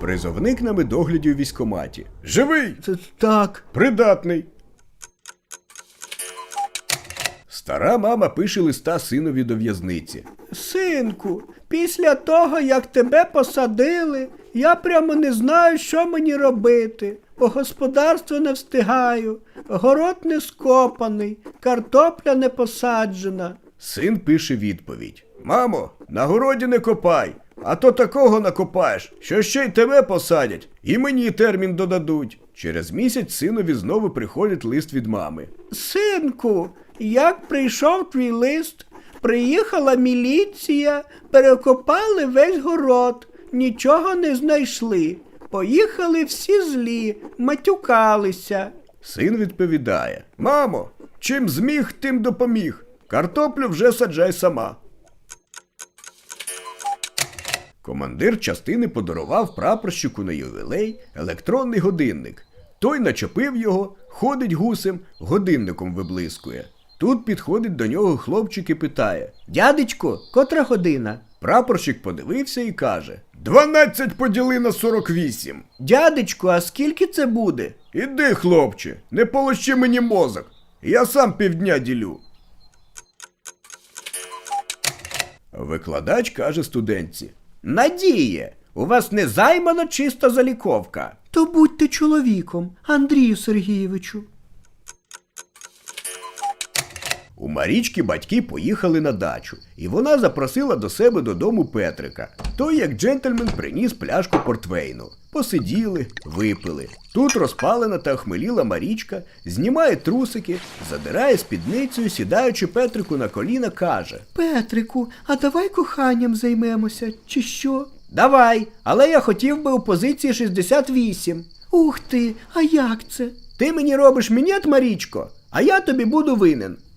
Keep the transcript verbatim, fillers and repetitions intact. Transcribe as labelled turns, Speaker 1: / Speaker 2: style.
Speaker 1: Призовник на медогляді у військкоматі. Живий!
Speaker 2: Це так.
Speaker 1: Придатний. Стара мама пише листа синові до в'язниці.
Speaker 2: Синку, після того, як тебе посадили, я прямо не знаю, що мені робити. По господарству не встигаю, город не скопаний, картопля не посаджена.
Speaker 1: Син пише відповідь. Мамо, на городі не копай, а то такого накопаєш, що ще й тебе посадять, і мені термін додадуть. Через місяць синові знову приходить лист від мами.
Speaker 2: Синку, як прийшов твій лист, приїхала міліція, перекопали весь город, нічого не знайшли. Поїхали всі злі, матюкалися.
Speaker 1: Син відповідає. Мамо, чим зміг, тим допоміг. Картоплю вже саджай сама. Командир частини подарував прапорщику на ювілей електронний годинник. Той начепив його, ходить гусем, годинником виблискує. Тут підходить до нього хлопчик і питає.
Speaker 2: Дядечко, котра година?
Speaker 1: Прапорщик подивився і каже. Дванадцять поділи на сорок вісім.
Speaker 2: Дядечко, а скільки це буде?
Speaker 1: Іди, хлопче, не полощи мені мозок. Я сам півдня ділю. Викладач каже студентці.
Speaker 2: Надіє, у вас не займано чиста заліковка. То будьте чоловіком, Андрію Сергійовичу.
Speaker 1: У Марічки батьки поїхали на дачу, і вона запросила до себе додому Петрика. Той, як джентльмен, приніс пляшку портвейну. Посиділи, випили. Тут розпалена та охмеліла Марічка, знімає трусики, задирає спідницею, сідаючи Петрику на коліна, каже.
Speaker 2: Петрику, а давай коханням займемося, чи що?
Speaker 1: Давай, але я хотів би у позиції шістдесят вісім.
Speaker 2: Ух ти, а як це?
Speaker 1: Ти мені робиш мінет, Марічко, а я тобі буду винен.